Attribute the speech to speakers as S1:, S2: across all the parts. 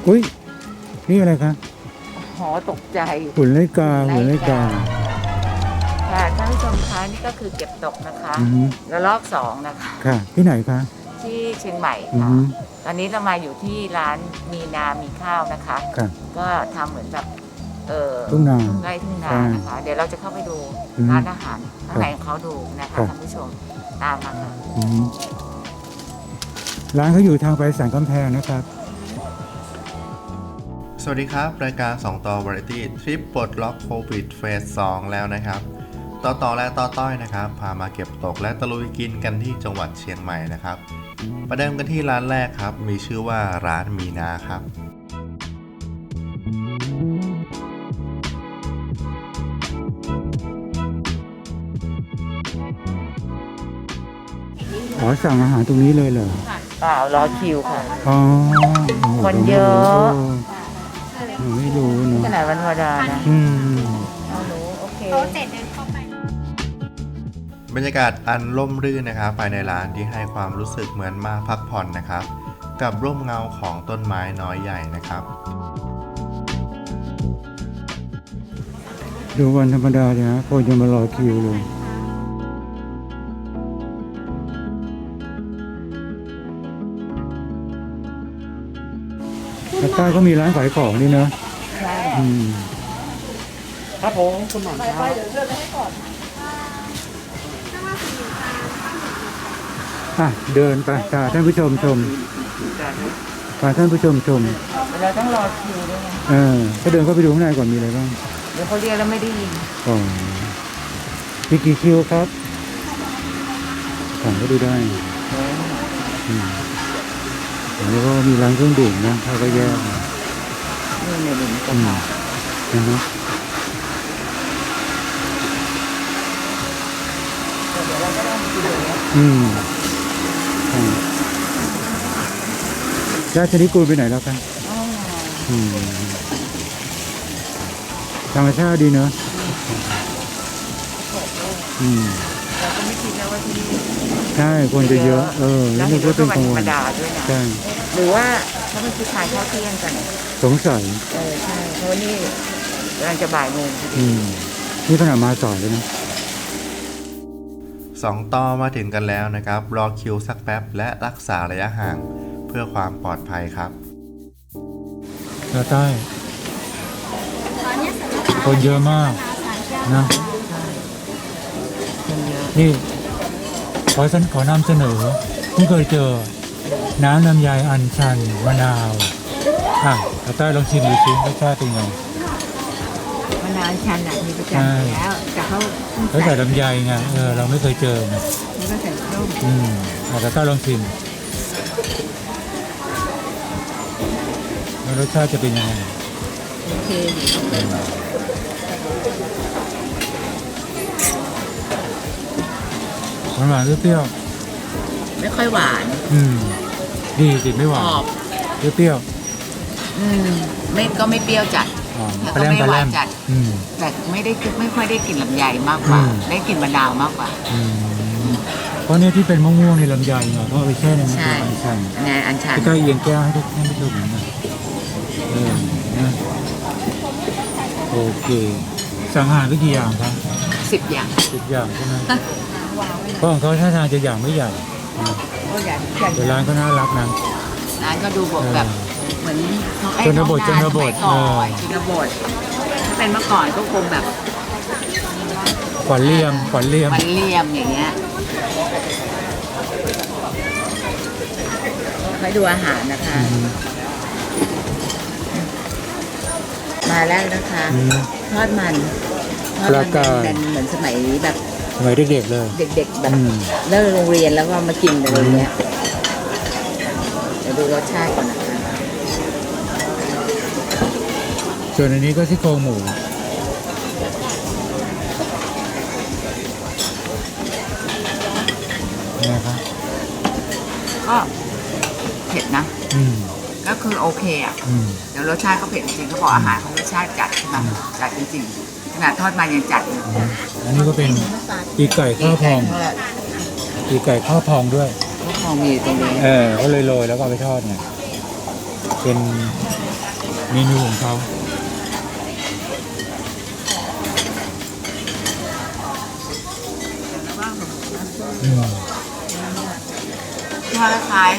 S1: อุ้ยนี่อะไรคะ
S2: หอตกใจ
S1: หุ่นไล่กาหุ่นไล่กา
S2: ค่ะท่านผู้ชมคะนี่ก็คือเก็บตกนะคะ
S1: อือฮึ
S2: ระลอก2นะคะ
S1: ค่ะ ที่ไหนคะ
S2: ที่เชียงใหม่
S1: อือ
S2: ค่ะ
S1: ฮึ
S2: ตอนนี้เรามาอยู่ที่ร้านมีนามีข้าวนะคะ
S1: ค่ะ
S2: ก็ทำเหมือนแบบ
S1: ทุ่งนา
S2: ไร่ทุ่งนา
S1: ใช่
S2: นะคะ เดี๋ยวเราจะเข้าไปดู
S1: อืม
S2: ร้านอาหารข้างในของเขาดูนะคะ
S1: ครับ
S2: ท่านผู้ชมตามมาค่ะ
S1: อือฮึร้านเขาอยู่ทางไปสันกำแพงนะครับ
S3: สวัสดีครับ รายการ 2 ต่อ Variety ทริปปลดล็อกโควิดเฟส 2 แล้วนะครับ ต่อและต่อต้อยนะครับ พามาเก็บตกและตะลุยกินกันที่จังหวัดเชียงใหม่นะครับ ประเดิมกันที่ร้านแรกครับ มีชื่อว่าร้านมีนาครับ
S1: อ๋อสั่งอาหารตรงนี้เลยเหรอ
S2: เปล่ารอคิวค่ะ
S1: อ๋อโอ้โห
S2: คนเยอะ
S1: เออไม่รู้เน
S2: ข
S1: อะ
S2: นาดวันธรรมดานะ
S1: อืม
S2: เรารู้โอเค
S4: โต๊ะเจ็ดเดินเข้าไป
S3: บรรยากาศอันร่มรื่นนะครับภายในร้านที่ให้ความรู้สึกเหมือนมาพักผ่อนนะครับ กับร่มเงาของต้นไม้น้อยใหญ่นะครับ
S1: ดูวันธรรมดาเนี่ยนะคนยังมารอคิวเลยแล้วใต้ก็มีร้านขายของนี่เนอะ
S2: ใช่
S1: อืม
S5: ครับผมคุณหมอนครับ
S1: อ่ะเดินไปพาท่านผู้ชมชมพาท่านผู้ชมชม
S2: เราต้องรอคิวด้วยไง
S1: ก็เดินเข้าไปดูข้างในก่อนมีอะไรบ้าง
S2: เดี๋ยวเขาเรียกแล้วไม่ได้ยิน
S1: อ๋อมีกี่คิวครับของก็ดูได้อืมแล้วก็มีร้านเครื่องดื่มนะเขาก็แยกนะ
S2: นี่ในหนึ่งก็
S1: อืม
S2: มา
S1: นะฮะ
S2: เดี๋ยวเราก็ต้องกินเลยนะ
S1: อืมใช่ญาติชนิดกูลไปไหนแล้วกัน
S2: อ๋อ
S1: อืมธรรมชาติดีเนอะอืม
S2: เราก็ไม่คิดนะว่าที่นี่
S1: ใช่คนจะเยอะ
S2: แล้
S1: แล้ว ว
S2: เห็
S1: นึ
S2: น
S1: ก
S2: ว่า
S1: ว่า
S2: เป็
S1: เป็น น
S2: วัน
S1: กลาง
S2: ธรร
S1: วั
S2: ม
S1: น
S2: ดาด้วยนะ
S1: ใช่
S2: หรือว่าเขาเป็นผู้ชายเข้าเที่ยงกัน
S1: สงสัย
S2: ใช่เพราะว่านี่กำลังจะบ่ายโมงพอดี
S1: อืมนี่ขนาดมาสายเลยนะ
S3: 2 ต่อมาถึงกันแล้วนะครับ รอคิวสักแป๊บและรักษาระยะห่างเพื่อความปลอดภัยครับ
S1: แล้วใต้
S4: ตอนนี้เสร็จแล้วค่ะ
S1: คนเยอะมาก
S4: สารแก้ว
S1: นะ
S2: คนเยอะ
S1: นี่ขอนำเสนอเพิ่งเคยเจอ น้ำลำไยอัญชันมะนาวแล้วใต้ลองชิมดูสิรสชาติเป็นไง
S2: มะนาวชันอ่ะมีประ
S1: ใช่
S2: จำอยู่แล้วแต่เขา
S1: แล้วใส่ลำไยไงเราไม่เคยเจอไง
S2: แล้วก็ใส่ส้ม
S1: แล้วใต้ลองชิมแล้วรสชาติจะเป็นยังไง
S2: โอเค
S1: หวานๆเปรี้ยว
S2: ไม่ค่อยหวาน
S1: ดีสิไม่หวาน
S2: กรอบ
S1: เปรี้ยว
S2: ไม่ก็ไม่เปรี้ยวจัด แล้ว
S1: ปลา
S2: ก็
S1: แรม
S2: ไม่
S1: ปลา
S2: ห
S1: แร
S2: วาน
S1: ม
S2: จัด
S1: อืม
S2: แต่ไม่ค่อยได้กลิ่นลำไยมากกว่า
S1: อืม
S2: ได้กลิ่นมะนาวมากกว่า
S1: เพราะเนี่ยที่เป็นม่วงๆในลำไยไงเพราะเอาไปแช่ในน้ำ
S2: ใช่
S1: อัญชัน
S2: อันนี้อันชัน
S1: ใกล้ๆเอียงแก้วให้ทุกท่านผู้ชมเห็นนะนะโอเคสั่งอาหารไปกี่อย่างครับ
S2: 10 อย่าง
S1: 10 อย่างใช่ไหมเพราะของเขาท่าทางจะอย่างไม่ใหญ่นะ
S2: ก็อย่าง
S1: แต่ร้านก็น่ารักนะ
S2: ร้านก็ดูแบบเหมือนไอ้
S1: ชนบท
S2: ท้อง
S1: ชนบท
S2: สมัยก่อนชนบทถ้าเป็นเมื่อก่อนก็คงแบบ
S1: ขวัญเลี่ยม
S2: มันเลี่ยมอย่างเงี้ยให้ดูอาหารนะคะ มาแล้วนะคะ
S1: อืม
S2: ทอดมัน
S1: ปลากาย
S2: เป็นเหมือนสมัยแบบ
S1: สมัยเด็กๆเลย
S2: เด็กๆแบบ
S1: อืม
S2: เลิกโรงเรียนแล้วก็มากินอะไรเงี้ยเดี๋ยวดูรสชาติก่อนนะคะ
S1: ส่วนอันนี้ก็ซี่โครงหมูนะครับ
S2: ก็เผ็ดนะ
S1: อืม
S2: ก็คือโอเคอ่ะ
S1: อืม
S2: เดี๋ยวรสชาติเขาเผ็ดจริงๆเขาบอกอาหารเขารสชาติจัดใช่ไหมจัดจริงๆขนาดทอดมันยังจัดเลย
S1: อันนี้ก็เป็นปีกไก่ข้าวพอง
S2: ทอด
S1: ปีกไก่ข้าวพองด้วย
S2: ข้าวพองมีอยู่ตรงนี้
S1: เขาเลยโรยแล้วก็เอาไปทอดไงเป็นเมนูของเขา
S2: แล้วก็ขนมนะ
S1: อืม
S2: ทอดคล้าย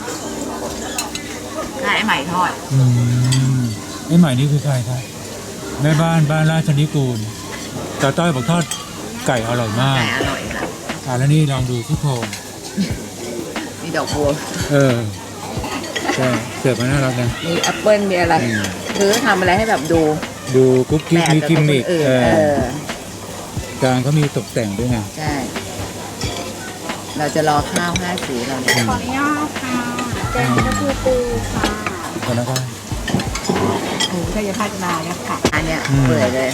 S2: ไอ้ไหมทอด
S1: อืมไอ้ใหม่นี่คือใครครับแม่บ้านราชนิกูลตาต้อยบอกทอดไก่อร่อยมาก
S2: ไก่อร่อยค่ะ
S1: แล้วนี่ลองดูที่โครง
S2: มีดอกบัว
S1: ใช่เสิร์ฟมาน่ารักนะ
S2: มีแอปเปิ้ลมีอะไร
S1: อืม
S2: คือทำอะไรให้แบบดู
S1: ดูกุ๊กกิ๊กมีกิมมิค
S2: อื่น
S1: จานเขามีตกแต่งด้วยไง
S2: ใช่ เราจะรอข้าว5 สีเราเนี่ย
S4: ขออนุญาตค่ะแกงกะเพราปูค่ะ
S1: ก่อนนะครับ
S2: หมูถ้าจะพัฒนาเนี่ยค่ะ อันเนี้ย
S1: อืม
S2: เปื่อยเลย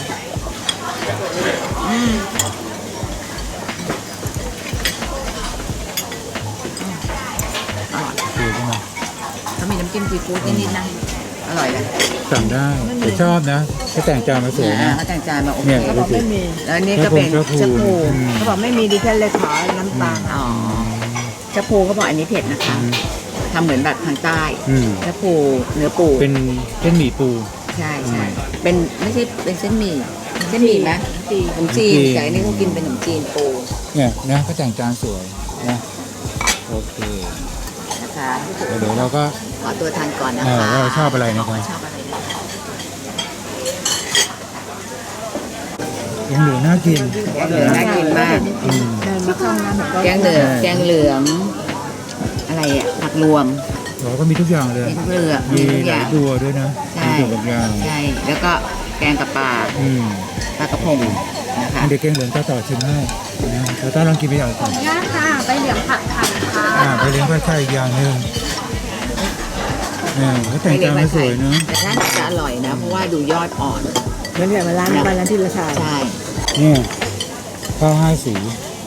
S2: อร่อย
S1: คือใช่ไหม
S2: เขามีน้ำจิ้มซีฟู้ดนิดๆนะ อร่อยเลย
S1: สั่งได้แต่ชอบนะเขาแต่งจานมาสวยนะ
S2: เขาแต่งจานมาโอเค
S1: เนี่ยดูสิ
S2: แล้วอันนี่ก็เป็น
S1: ชะ
S2: ชะ
S1: พู
S2: พู
S1: อืม
S2: เขาบอกไม่มีดิฉันเลยขอน้ำตาลอ๋อชะพูเขาบอกอันนี้เผ็ดนะคะทำเหมือนแบบทางใต้
S1: อืม
S2: ชะพูเนื้อปู
S1: เป็นเส้นหมี่ปู
S2: ใช่ใช่เป็นไม่ใช่เป็นเส้นหมี่เส้นหมี่ไหมขนมจีนแต่อันนี้เขากินเป็นขนมจีนปู
S1: เนี่ยนะเขาแต่งจานสวยนะโอเค
S2: นะคะ
S1: เดี๋ยวเราก็
S2: ขอตัวทานก่อนนะ
S1: ว่า
S2: คะ
S1: เราชอบอะไรนะครับ
S2: ชอบอะไรนะคะ
S1: ยังเหลือน่ากิน
S2: แกงเหลืองน่ากินมาก
S1: อืม
S2: แกงเหลืองอะไรอ่ะผักรวม
S1: เราก็มีทุกอย่างเลย
S2: มีทุกเลือก
S1: มี
S2: มีทุก
S1: ห
S2: อ
S1: ลา
S2: ย่าย ง
S1: ตัวด้วยนะ
S2: ใช่
S1: มีตัวบางอย่าง
S2: ใช่แล้วก็แกงกับปลา
S1: อืม
S2: ปลากระพงนะคะ
S1: เด็กเก่งเหลืองต่อชิมให้นะเราต้องลองกินไปอย่างก่อน
S4: ขออนุญาตค่ะใบเหลียงผัดไทยค่ะ
S1: ไปเลี้ยงผ้าไช่อีกอย่างหนึ่งเขาแต่งจานมาสวยเนอะ
S2: แต่น่าจะอร่อยนะ เพราะว่าดูยอดอ่อน
S6: เหมือนกับร้านวันนั้นที่ราชา
S2: ใช่
S1: เนี่ยข้าว5 สี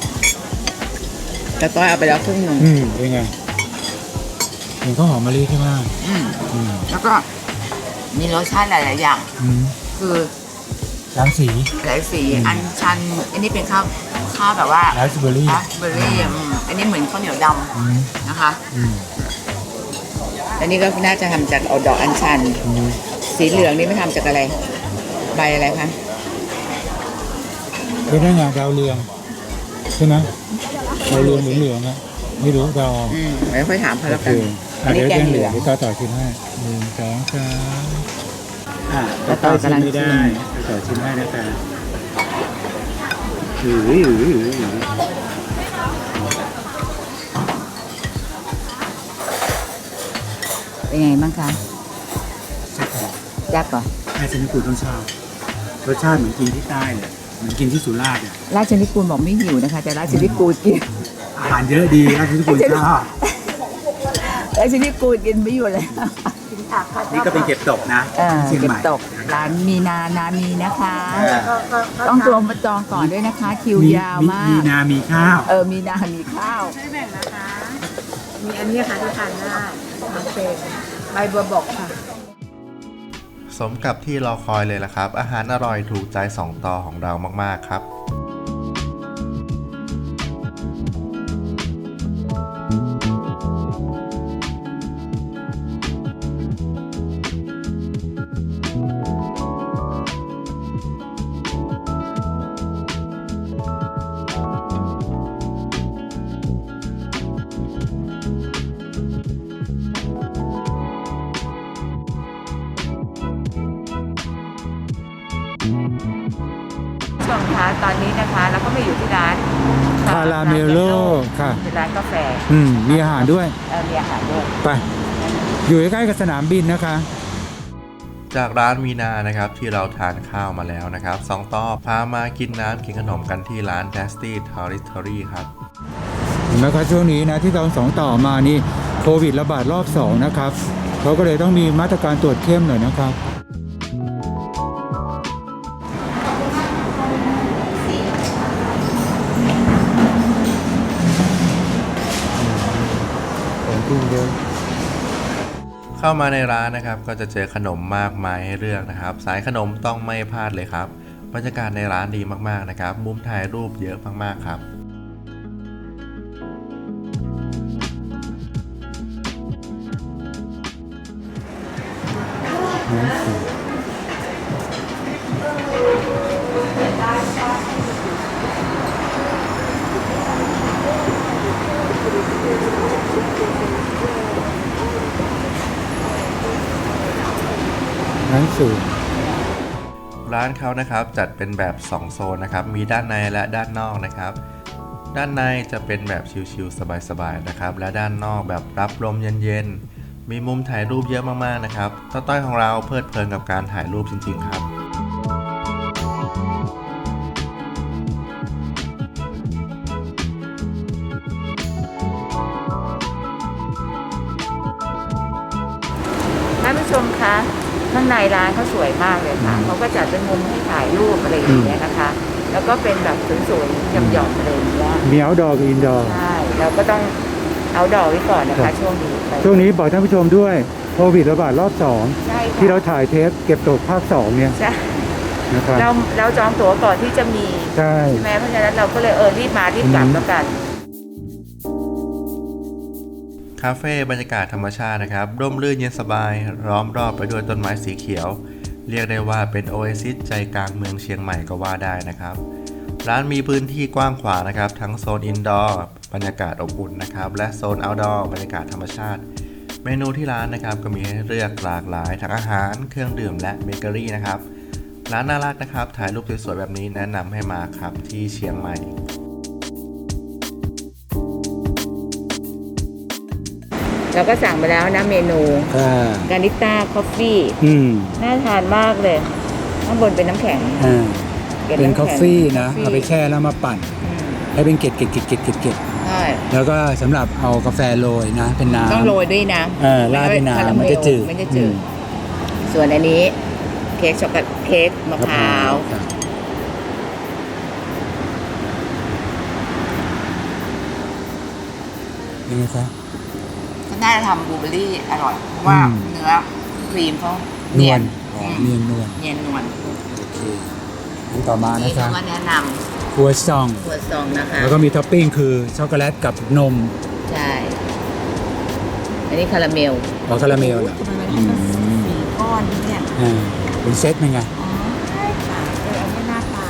S2: แล้วก็เอาไปแล้วครึ่งหนึ่ง
S1: เป็นไงเห็นข้าวหอมมะลิใช่ไหม
S2: อืม
S1: อืม
S2: แล้วก็มีรสชาติหลาย ๆ อย่าง
S1: อืม
S2: คือ
S1: 3 สี
S2: หลายสีอันชัน อันนี้เป็นข้าวแบบว่า
S1: ราสเบอร์รี่
S2: ราสเบอร์รี่อันนี้เหมือนข้าวเหนียวด
S1: อืม
S2: ำนะคะ
S1: อืม
S2: อันนี้ก็น่าจะทำจากเอาดอกอัญชัน
S1: อืม
S2: สีเหลืองนี่ไม่ทำจากอะไร ใบอะไรคะ
S1: เป็นได้ไงดาวเรืองใช่ไหมดาวเรืองเหลืองๆอ่ะไม่รู้ดาว
S2: เดี๋ยวค่อยถามเขา
S1: โอ
S2: แล้ว
S1: เค
S2: กันอันนี้
S1: เดี๋ยว
S2: แก
S1: แก
S2: ง
S1: ง
S2: เห
S1: เห
S2: ลื
S1: ลื
S2: อ
S1: อง งต่อชิมให้1 2 3
S2: แล้วต่อกำลังชิม
S1: ได้ต่อชิมให้นะคะอือ
S2: เป็นไงบ้างคะยักษ์ก่อน
S1: ไอ้ชนิดกูต้องชอบรสชาติเหมือนกินที่ใต้เลยเหมือนกินที่สุราษฎร์อ่ะ
S2: ราชนิกูลบอกไม่หิวนะคะ แต่ราชนิกูลกิน
S1: อาหารเยอะดีราชนิกูลชอบ
S2: ราชนิกูลกินไม่อยู่เลย
S1: นี่ก็เป็นเก็บตกนะเชียง
S2: เก็
S1: ให
S2: บ
S1: ม่
S2: ตกร้านมีนามีนะคะ
S1: เออ
S2: ต้องตัวมาจองก่อนด้วยนะคะ คิวยาวมาก
S1: มีนามีข้าว
S2: มีนามีข้าว
S4: ไม่แบ่งนะคะ มีอันนี้ค่ะที่ทานได้น้ำเซนใบบัวบกค่ะ
S3: สมกับที่รอคอยเลยล่ะครับ อาหารอร่อยถูกใจ2ต่อของเรามากๆครับ
S2: ช่วงท้าตอนนี้นะคะแล้วก็มาอยู่ที่ร้าน
S1: คาราเมลโลค่ะ
S2: เป็นร้านกาแฟ
S1: มีอาหารด้วย
S2: มีอาหารด้วย
S1: ไป อยู่ใกล้ๆกับสนามบินนะคะ
S3: จากร้านมีนานะครับที่เราทานข้าวมาแล้วนะครับ2ต่อพามากินน้ำกินขนมกันที่ร้าน Tasty Territory ครับ
S1: เห็นไหมครับช่วงนี้นะที่เรา2ต่อมานี่โควิดระบาดรอบ2นะครับเขาก็เลยต้องมีมาตรการตรวจเข้มหน่อยนะครับของกินเยอะ
S3: เข้ามาในร้านนะครับก็จะเจอขนมมากมายให้เลือกนะครับ สายขนมต้องไม่พลาดเลยครับบรรยากาศในร้านดีมากๆนะครับมุมถ่ายรูปเยอะมากๆครับ
S1: น้ำสูงน้ำสูง
S3: ร้านเขานะครับจัดเป็นแบบ 2 โซนนะครับมีด้านในและด้านนอกนะครับด้านในจะเป็นแบบชิลๆสบายๆนะครับและด้านนอกแบบรับลมเย็นๆมีมุมถ่ายรูปเยอะมากๆนะครับต้อยของเราเพลิดเพลินกับการถ่ายรูปจริงๆครับ
S2: ท่านผู้ชมคะข้างในร้านเขาสวยมากเลยค่ะเขาก็จัดเป็นมุมให้ถ่ายรูปอะไรอย่างเงี้ยนะคะ แล้วก็เป็นแบบสวยๆหย่อมๆอะไรอย่างเงี้ย
S1: มี outdoor กับ indoor
S2: ใช่เราก็ต้องเอาดอกไว้ก่อนนะ
S1: ครั
S2: คะ
S1: บ
S2: ช่วงนี้ไป
S1: ช่วงนี้บอกท่านผู้ชมด้วยโควิดระบาดรอบ
S2: ใช่
S1: 2
S2: ค่ะ
S1: ที่เราถ่ายเทปเก็บตกภาค 2 เนี่ย
S2: ใช่
S1: นะครับ
S2: เราจองตั๋วก่อนที่จะมี
S1: ใช่
S2: ใช่ไหมเพราะฉะนั้นเราก็เลยรีบมารีบกลับแล้วกัน
S3: คาเฟ่บรรยากาศธรรมชาตินะครับร่มรื่นเย็นสบายล้อมรอบไปด้วยต้นไม้สีเขียว เรียกได้ว่าเป็นโอเอซิสใจกลางเมืองเชียงใหม่ก็ว่าได้นะครับร้านมีพื้นที่กว้างขวางนะครับทั้งโซนอินดอร์บรรยากาศอบอุ่นนะครับและโซนเอาท์ดอร์บรรยากาศธรรมชาติ เมนูที่ร้านนะครับก็มีให้เลือกหลากหลายทั้งอาหารเครื่องดื่มและเบเกอรี่นะครับร้านน่ารักนะครับถ่ายรูปสวยๆแบบนี้แนะนำให้มาครับที่เชียงใหม่
S2: เราก็สั่งไปแล้วนะเมนูกานิต้าคอฟฟี่น่าทานมากเลยข้างบนเป็นน้ำแข็ง
S1: เป็นกาแฟนะเอาไปแช่แล้วมาปั่นให้เป็นเกล็ด
S2: ใช่
S1: แล้วก็สำหรับเอากาแฟโรยนะเป็นน้ำ
S2: ต้องโรยด้วยนะ
S1: ราดด้วยน้ำมันจะจืด
S2: มันจะจืดส่วนอันนี้เค้กช็อกโกแลตเค้กมะพร้าว
S1: ยังไงครับ
S2: ก็น่าจะทำบลูเบอร์รี่อร่อยเพราะว่าเนื้อครีมเขา
S1: น
S2: เนี
S1: วย ล
S2: น
S1: เนียนนวล
S2: เนียนนวล
S1: โอเคอันต่อมานะ
S2: นี่
S1: ครั
S2: เขา
S1: บ
S2: ก็แนะน
S1: ครัวซอง
S2: ำตัวซองนะคะ
S1: แล้วก็มีท็อปปิ้งคือช็อกโกแลตกับนม
S2: ใช่อันนี้คาราเมล
S1: ออคาราเมลเหรอ
S2: ก้อนเนี่ย
S1: เป็นเซตเป็นไง
S2: อ๋อใช่ค่ะอันนี้หน้าตา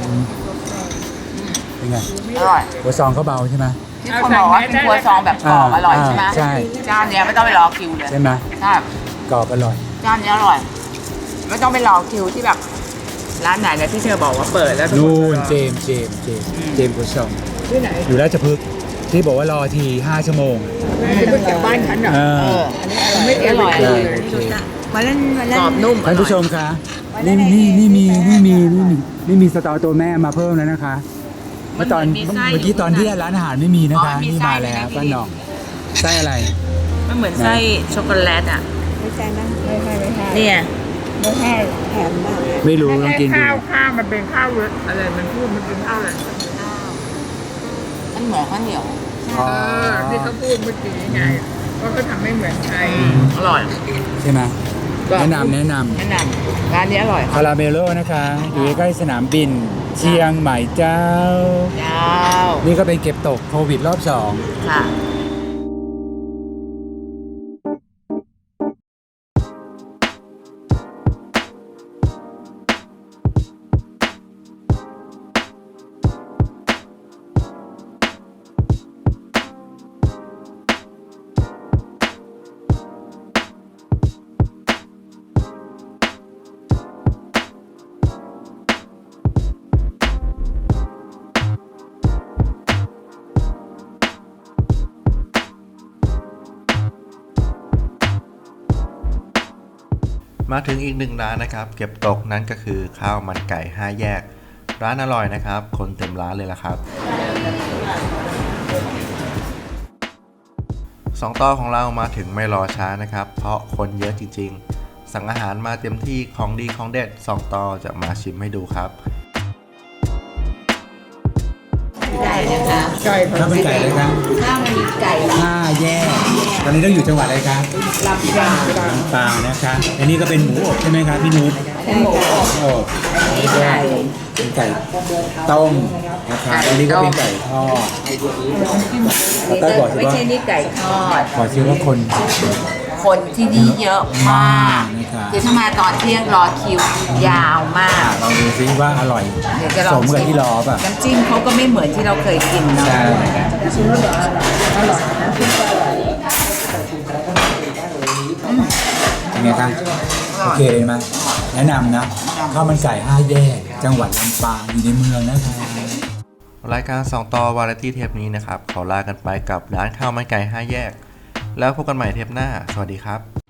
S1: เป็นไง
S2: อร่อย
S1: ครัวซองเขาเบาใช่ไหม
S2: ที่คนบอกว่าเป็นครัวซองแบบกรอบอร่อยใช่ไหม
S1: ใช่
S2: เจ้าเนี้ยไม่ต้องไปรอคิวเลย
S1: ใช่ไหม
S2: ใช่
S1: กรอบอร่อย
S2: เจ้าเนี้ยอร่อย ไม่ต้องไปรอคิวที่แบบร้านไหนนะที่เธอบอกว่าเปิดแล้ว
S1: นู่นเจมส์ครัวซอง
S4: ที่ไหน
S1: อยู่ราชพฤกษ์ที่บอกว่ารอที5 ชั่วโมง
S4: จะไปจากบ้านฉันเหรอ
S2: ไม่อร่อย
S1: ใช่โอเค
S4: วันนั้น
S2: กรอบนุ่ม
S1: ท่านผู้ชมคะนี่มีสตอตัวแม่มาเพิ่มแล้วนะคะเมื่อกี้ตอนที่ร้านอาหารไม่มีนะคะนี่มาแล้วป้าหน่องไส้อะไร
S2: มันเหมือนไส้ช็อกโกแลตอ่ะ
S6: ไม่ใช่นะ
S4: ไม่ใช่
S2: เนี่ย
S4: ไม่ใช่
S6: แถมมากเลย
S1: ไม่รู้ลองกินดู
S4: ข้าวมันเป็นข้าวอะไรมันพูดมันเป็นข้าวอะไร
S2: มันเหมือนข้าวเหนียว
S1: อ๋อ
S4: ที่เขาพูดเมื่อกี้ไงว่าเขาทำไม่เหมือนใคร
S2: อร่อย
S1: ใช่ไหมแนะนำ
S2: แนะนำร้านนี้อร่อย
S1: คาราเมโลนะคะอยู่ใกล้สนามบินเชียงใหม่เจ้า
S2: เจ้า
S1: นี่ก็เป็นเก็บตกโควิดรอบ 2
S2: ค่ะ
S3: มาถึงอีกหนึ่งร้านนะครับเก็บตกนั้นก็คือข้าวมันไก่5แยกร้านอร่อยนะครับคนเต็มร้านเลยละครับ2 ต่อของเรามาถึงไม่รอช้านะครับเพราะคนเยอะจริงๆสั่งอาหารมาเต็มที่ของดีของเด็ด2 ต่อจะมาชิมให้ดูครับ
S2: ได้นะคะ
S1: ข้าวมันไก่เลยครับ
S2: ข้าวมันไก่
S1: 5 แยกตอนนี้ต้องอยู่จังหวัดอะไรครับ
S2: ลำปาง
S1: ลำปางนะคะอันนี้ก็เป็นหมูอบใช่ไหมครับพี่นุช
S2: เป็นหมูอบ
S1: อบ
S2: นี่ไก่
S1: เป็นไก่ต้มนะครับอันนี้ก็เป็นไก่ทอดแล้วก็บอกสิ
S2: ไม่
S1: ว่า
S2: ใช่นี่ไก่ทอด
S1: บอกสิว่าคน
S2: คนที่นี่เยอะมาก
S1: นะครับ
S2: คือถ้ามาตอนเที่ยงรอคิวยาวมาก
S1: ลองดูซิว่าอร่อย
S2: เดี๋ยวจะล
S1: ส
S2: อง
S1: มกับที่รอป่ะ
S2: น้ำจิ้มเขาก็ไม่เหมือนที่เราเคยกินเนาะ
S1: ใช่
S6: ชิมแล้วเดี๋ยวอร่อยน้ำพริกก็อร่อย
S1: เป็นไงครับโอเคเลยไหมแนะนำนะข้าวมันไก่5 แยก จังหวัดลำปางอยู่ในเมืองนะครับ
S3: รายการ2ต่อวาไรตี้เทปนี้นะครับขอลากันไปกับร้านข้าวมันไก่5 แยก แล้วพบกันใหม่เทปหน้าสวัสดีครับ